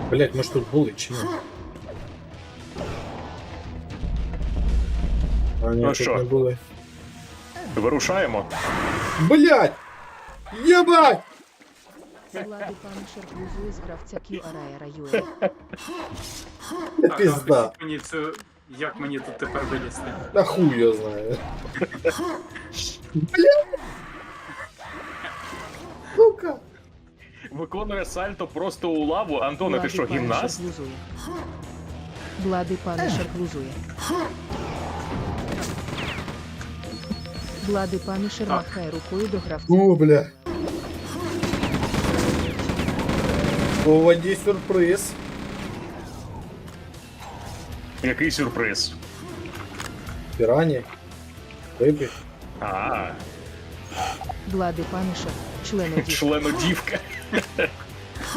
Блять, ми ж тут були чи ні? А ні, Ну тут що? не були. Вирушаємо. Блять! Єбать! Влади Паншер глузує з гравця QRR.ua. Пізда. Покажіть мені цю... Як мені тут тепер вилізти? Та хуй я знаю. Блять! Сука! Виконує сальто просто у лаву. Антоне, ти що, гімнаст? Влади Паншер глузує. Влади Паншер Так. махає рукою до гравця. О, бля. У воді сюрприз. Який сюрприз? Пірані. Риби. А, Влади Паншер, члену дій. членодівка.